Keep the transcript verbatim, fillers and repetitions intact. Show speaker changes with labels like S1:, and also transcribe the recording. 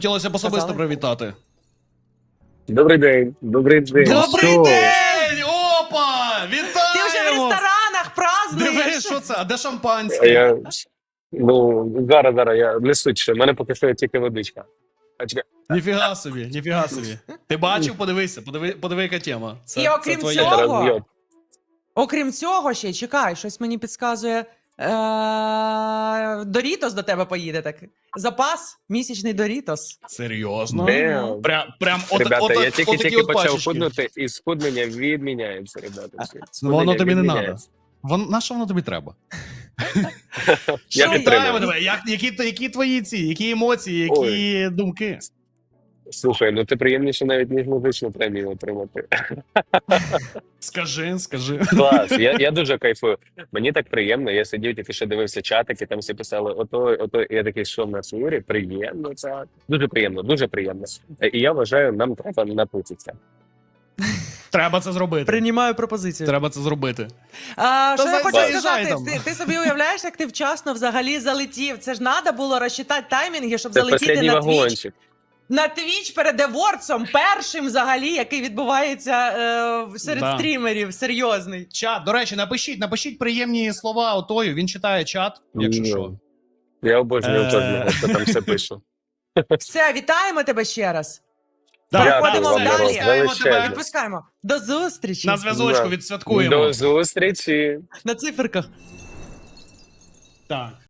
S1: Хотілося б особисто
S2: Казали?
S1: привітати.
S3: Добрий день, добрий день.
S1: Добрий
S3: Що?
S1: день! Опа! Вітаємо!
S2: Ти вже в ресторанах празднуєш.
S1: Дивись, що це? А де
S3: А
S1: шампанське?
S3: Я, ну, зараз, зараз, я не суть ще, в мене поки що тільки водичка. А чекай,
S1: Ніфіга собі, ніфіга собі. Ти бачив? Подивися, подиви, подиви, яка тема. Це,
S2: І окрім
S1: це
S2: цього-
S3: зараз
S2: Ого.
S3: б'єт.
S2: Окрім цього, ще чекай, щось мені підказує. Е- Дорітос до тебе поїде так. Запас місячний Дорітос.
S1: Серйозно?
S3: Damn.
S1: Прям, прям от,
S3: Ребята,
S1: от,
S3: я
S1: от,
S3: тільки
S1: отакі
S3: тільки
S1: от
S3: почав
S1: пачечки.
S3: худнути, і схуднення відміняється, ребята. всі.
S1: Ну, воно
S3: Схуднення
S1: тобі не
S3: відміняється.
S1: Вон, на що воно тобі треба?
S3: Я
S1: Що,
S3: підтримую.
S1: вітаємо тебе. Як, які, які твої ці, які емоції, які
S3: Ой.
S1: думки?
S3: Слухай, ну ти приємніше навіть ніж музичну премію отримати.
S1: Скажи, скажи.
S3: Клас, я, я дуже кайфую. Мені так приємно, я сидів, тільки що дивився чатики, там всі писали, ото, ото, я такий, що в нас Юрі, приємно, так. Дуже приємно, дуже приємно. І я вважаю, нам треба напутитися.
S1: Треба це зробити.
S2: Приймаю пропозицію.
S1: Треба це зробити.
S2: А, що
S1: Та
S2: я
S1: за-
S2: хочу
S1: заїжджай
S2: сказати,
S1: там.
S2: ти, ти собі уявляєш, як ти вчасно взагалі залетів. Це ж треба було розчитати таймінги, щоб
S3: Це
S2: залетіти
S3: останній
S2: на твіч.
S3: вагончик.
S2: На твіч перед евордсом, першим взагалі, який відбувається е, серед
S1: Да.
S2: стрімерів, серйозний.
S1: Чат, до речі, напишіть, напишіть приємні слова отою, він читає чат, якщо
S3: Ну,
S1: що.
S3: Я обожнюю
S1: Е.
S3: кожного, хто там все пише.
S2: Все, вітаємо тебе ще раз.
S1: Так,
S2: Переходимо
S1: так,
S2: далі.
S1: все, чекаємо
S3: Величезне.
S1: тебе.
S2: Відпускаємо. До зустрічі
S1: На зв'язочку
S3: Да.
S1: відсвяткуємо.
S3: До зустрічі.
S2: на циферках.
S1: Так.